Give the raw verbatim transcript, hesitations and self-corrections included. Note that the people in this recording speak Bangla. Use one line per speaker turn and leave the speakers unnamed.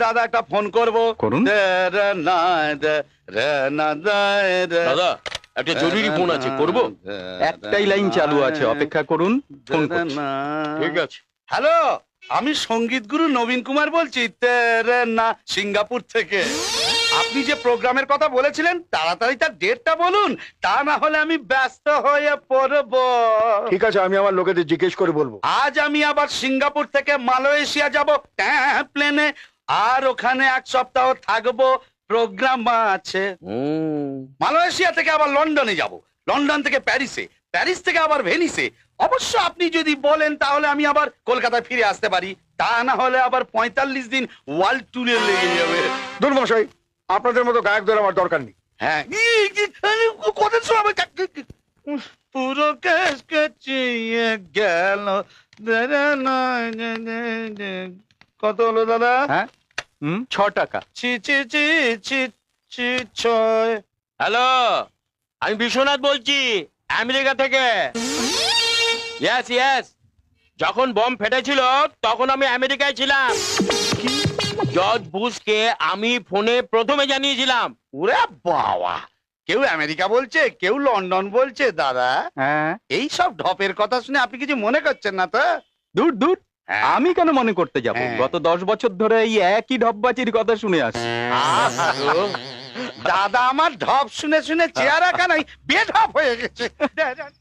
দাদা একটা ফোন করবো।
করুন।
দাদা একটা জরুরি ফোন আছে, করব?
একটাই লাইন চালু আছে, অপেক্ষা করুন, ফোন করছি।
ঠিক আছে।
হ্যালো, আমি সঙ্গীত গুরু নবীন কুমার বলছি, তেরে না সিঙ্গাপুর থেকে। আপনি যে প্রোগ্রামের কথা বলেছিলেন তাড়াতাড়ি তার ডেটটা বলুন, তা না হলে আমি ব্যস্ত হয়ে পড়ব।
ঠিক আছে, আমি আমার লোকেদের জিজ্ঞেস করে বলবো।
আজ আমি আবার সিঙ্গাপুর থেকে মালয়েশিয়া যাব প্লেনে, আর ওখানে এক সপ্তাহ থাকবো, প্রোগ্রাম আছে। মালয়েশিয়া থেকে আবার লন্ডনে যাব, লন্ডন থেকে প্যারিসে, প্যারিস থেকে আবার ভেনিসে। অবশ্য আপনি যদি বলেন তাহলে আমি আবার কলকাতায় ফিরে আসতে পারি, তা না হলে আবার পঁয়তাল্লিশ দিন ওয়ার্ল্ড ট্যুরে লেগে যাবে।
দুর্মশাই, আপনাদের মতো গায়কদের আমার দরকার নেই।
হ্যাঁ, কথা শোনাবে পুরো কেস কেচিয়ে গেল। কত হলো দাদা?
হ্যাঁ, হুম, ছ টাকা।
ছি ছি ছি ছি ছি ছয়।
হ্যালো, আমি বিশ্বনাথ বলছি আমেরিকা থেকে। ইয়েস ইয়েস, যখন বম ফেটেছিল তখন আমি আমেরিকায় ছিলাম। জর্জ বুশকে আমি ফোনে প্রথমে জানিয়েছিলাম।
ওরে বাবা, কেউ আমেরিকা বলছে, কেউ লন্ডন বলছে। দাদা,
হ্যাঁ,
এই সব ঢপের কথা শুনে আপনি কিছু মনে করছেন না তো?
দূর দূর,
হ্যাঁ।
আমি কেন মনে করতে যাব?
হ্যাঁ।
গত দশ বছর ধরে এই একই ঢপবাজির কথা শুনে আসছি।
দাদা আমার ঢপ শুনে শুনে চেহারা কানাই বেঢপ হয়ে গেছে।